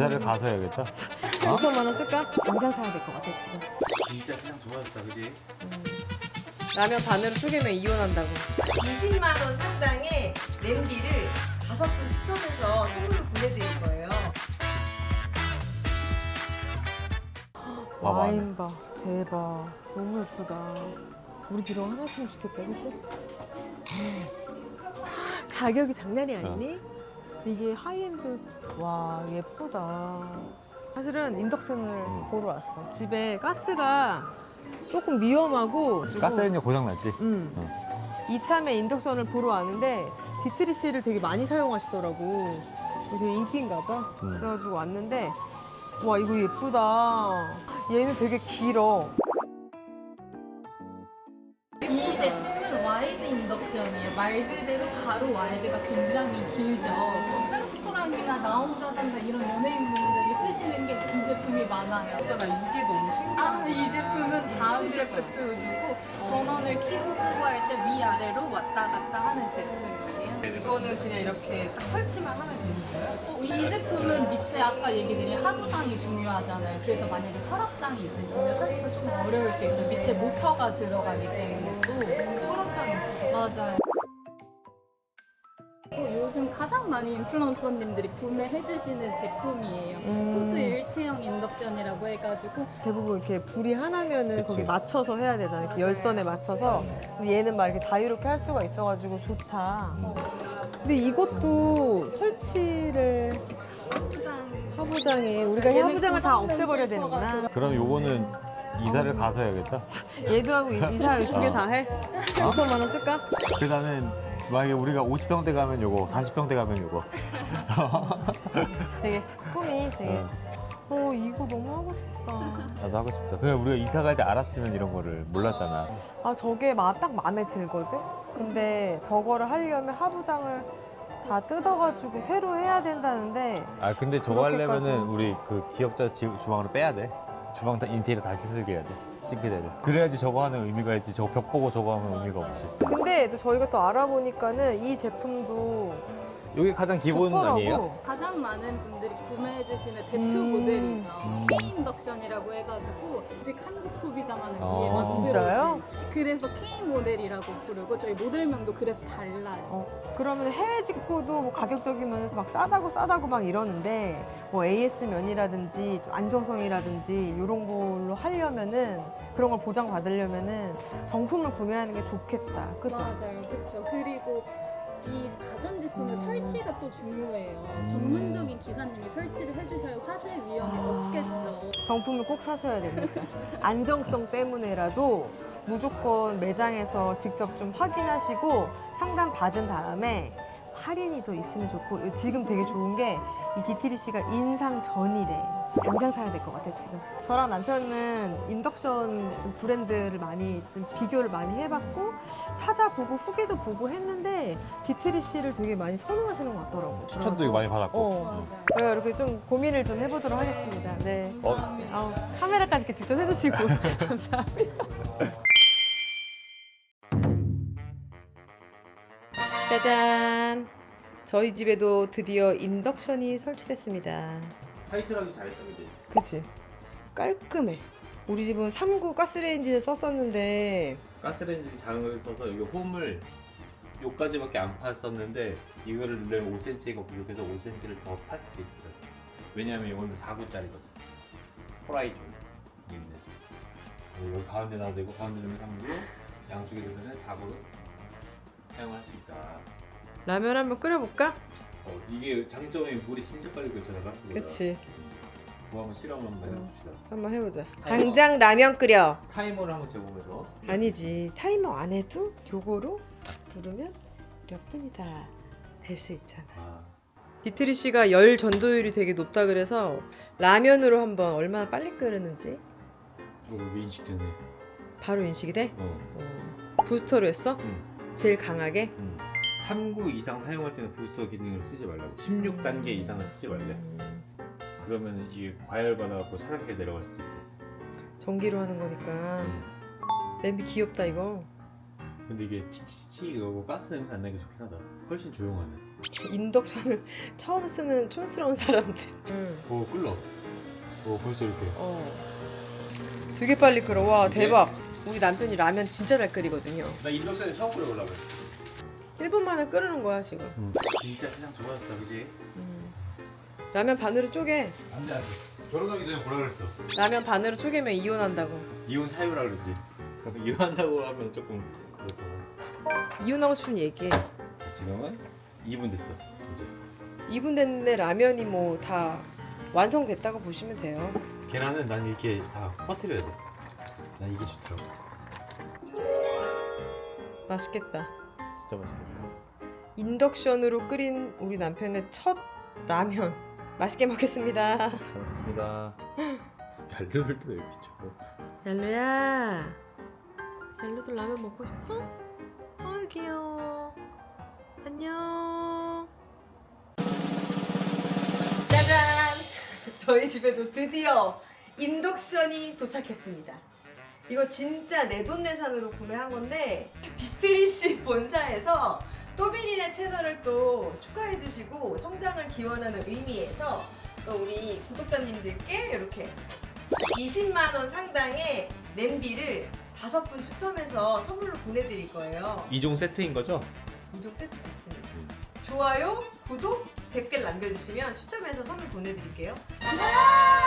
이사를 가서 해야겠다. 5천만 원 쓸까? 당장 사야 될 것 같아 지금. 진짜 그냥 좋아졌다, 그지? 라면 반으로 쪼개면 이혼한다고. 20만 원 상당의 냄비를 5분 추첨해서 선물로 보내드릴 거예요. 봐봐. 와인 봐. 대박. 너무 예쁘다. 우리 뒤로 하나 있으면 좋겠다, 그치? 가격이 장난이 아니니? 이게 하이엔드. 와, 예쁘다. 사실은 인덕션을 보러 왔어. 집에 가스가 조금 위험하고. 가스레인지 고장 났지? 이참에 인덕션을 보러 왔는데 디트리씨를 되게 많이 사용하시더라고. 되게 인기인가 봐. 그래가지고 왔는데 와, 이거 예쁘다. 얘는 되게 길어. 이 제품은 와이드 인덕션이에요. 말 그대로 가로 와이드가 굉장히 길죠. 레스토랑이나 나 혼자 산다 이런 연예인분들이 쓰시는 게 이 제품이 많아요. 나 이게 너무 신기해. 이 제품은 다음 드래프트 누르고 전원을 켜고 끄고 할 때 위아래로 왔다 갔다 하는 제품이에요. 이거는 그냥 이렇게 딱 설치만 하면 되는 거예요? 이 제품은 밑에 아까 얘기드린 하부장이 중요하잖아요. 그래서 만약에 서랍장이 있으시면 설치가 좀 어려울 수 있어요. 밑에 모터가 들어가기 때문에 또 서랍장이 있어서. 맞아요. 요즘 가장 많이 인플루언서님들이 구매해주시는 제품이에요. 푸드 일체형 인덕션이라고 해가지고 대부분 이렇게 불이 하나면은 그치. 거기 맞춰서 해야 되잖아. 이렇게 열선에 맞춰서. 근데 얘는 막 이렇게 자유롭게 할 수가 있어가지고 좋다. 근데 이것도 설치를 하부장에 우리가 하부장을 다 없애버려야 되는구나. 그럼 요거는 이사를 가서 해야겠다. 얘도 하고 이사 두 개 다 해? 5천만 원 쓸까? 그 나는 만약에 우리가 50평대 가면 요거, 40평대 가면 요거. 되게 꿈이 되게. 이거 너무 하고 싶다. 나도 하고 싶다. 그냥 우리가 이사 갈 때 알았으면 이런 거를 몰랐잖아. 아, 저게 딱 마음에 들거든? 근데 저거를 하려면 하부장을 다 뜯어가지고 새로 해야 된다는데. 아 근데 저거 하려면은 그렇게까지. 우리 그 기억자 주방으로 빼야 돼. 주방 다 인테리어 다시 설계해야 돼. 싱크대를. 그래야지 저거 하는 의미가 있지. 저거 벽 보고 저거 하면 의미가 없지. 근데 또 저희가 또 알아보니까는 이 제품도 여기 가장 기본 좋더라고. 아니에요? 가장 많은 분들이 구매해주시는 대표 모델이죠. K 인덕션이라고 해가지고 아직 한국 소비자만을 위해 만들어진. 진짜요? 그래서 K 모델이라고 부르고 저희 모델명도 그래서 달라요. 그러면 해외 직구도 뭐 가격적인 면에서 막 싸다고 막 이러는데 뭐 AS 면이라든지 좀 안정성이라든지 이런 걸로 하려면은 그런 걸 보장받으려면은 정품을 구매하는 게 좋겠다. 그죠? 맞아요, 그렇죠. 그리고 이 가전제품은 설치가 또 중요해요. 전문적인 기사님이 설치를 해주셔야 화재 위험이 없겠죠. 정품을 꼭 사셔야 됩니다. 안정성 때문에라도 무조건 매장에서 직접 좀 확인하시고 상담 받은 다음에 할인이 더 있으면 좋고 지금 되게 좋은 게 이 디트리씨가 인상 전이래. 당장 사야 될 것 같아 지금. 저랑 남편은 인덕션 브랜드를 많이 좀 비교를 많이 해봤고 찾아보고 후기도 보고 했는데 디트리씨를 되게 많이 선호하시는 것 같더라고요. 추천도 이거 많이 받았고. 제가 이렇게 좀 고민을 좀 해보도록 하겠습니다. 네. 어? 카메라까지 이렇게 직접 해주시고 감사합니다. 짜잔! 저희 집에도 드디어 인덕션이 설치됐습니다. 타이틀하기 잘했다, 그지? 그치? 깔끔해. 우리 집은 3구 가스레인지를 썼었는데 가스레인지 작은 걸 써서 이거 홈을 요까지밖에 안 팠었는데 이거를 누르면 5cm가 부족해서 5cm를 더 팠지. 왜냐면 이거는 4구짜리거든. 호라이존 있네. 여기 가운데 놔도 되고 가운데 놓으면 3구, 양쪽에 놓으면 4구로 사용할 수 있다. 라면 한번 끓여볼까? 이게 장점이 물이 진짜 빨리 끓잖아, 가스보다. 그치. 그거 한번 실험 한번 해봅시다. 한번 해보자. 타이머. 당장 라면 끓여. 타이머를 한번 재보면서. 아니지. 타이머 안 해도 요거로 탁 누르면 몇 분이다 될 수 있잖아. 디트리 씨가 열 전도율이 되게 높다 그래서 라면으로 한번 얼마나 빨리 끓는지 여기 인식되네. 바로 인식이 돼? 부스터로 했어? 제일 강하게? 3구 이상 사용할 때는 부스터 기능을 쓰지 말라고. 16단계 이상을 쓰지 말래. 그러면 이게 과열받아갖고 차갑게 내려갈 수도 있대. 전기로 하는 거니까. 냄비 귀엽다 이거. 근데 이게 치치치 이거 가스 냄새 안 나게 좋긴 하다. 훨씬 조용하네. 인덕션을 처음 쓰는 촌스러운 사람들. 오 끓러. 오 벌써 이렇게. 되게 빨리 끓어. 와 대박. 우리 남편이 라면 진짜 잘 끓이거든요. 나 인덕션에 처음 끓여보려고. 1분 만에 끓이는 거야 지금. 진짜 세상 좋아졌다, 그지? 라면 반으로 쪼개. 안돼 안돼. 결혼하기 전에 뭐라 그랬어? 라면 반으로 쪼개면 이혼한다고. 이혼 사유라 그러지. 이혼한다고 하면 조금 그렇잖아. 이혼하고 싶으면 얘기해. 지금은 2분 됐어. 이제 2분 됐는데 라면이 뭐 다 완성됐다고 보시면 돼요. 계란은 난 이렇게 다 퍼뜨려야 돼. 난 이게 좋더라고. 맛있겠다. 진짜 맛있겠다. 인덕션으로 끓인 우리 남편의 첫 라면. 맛있게 먹겠습니다. 잘 먹겠습니다. 얄루를 또 왜 비춰? 얄루야. 얄루도 라면 먹고 싶어? 아유 귀여워. 안녕. 짜잔! 저희 집에도 드디어 인덕션이 도착했습니다. 이거 진짜 내돈내산으로 구매한 건데 디트리씨 본사에서 또비린의 채널을 또 축하해주시고 성장을 기원하는 의미에서 또 우리 구독자님들께 이렇게 20만 원 상당의 냄비를 5분 추첨해서 선물로 보내드릴 거예요. 2종 세트인 거죠? 이종 세트 있습니다. 좋아요, 구독, 댓글 남겨주시면 추첨해서 선물 보내드릴게요.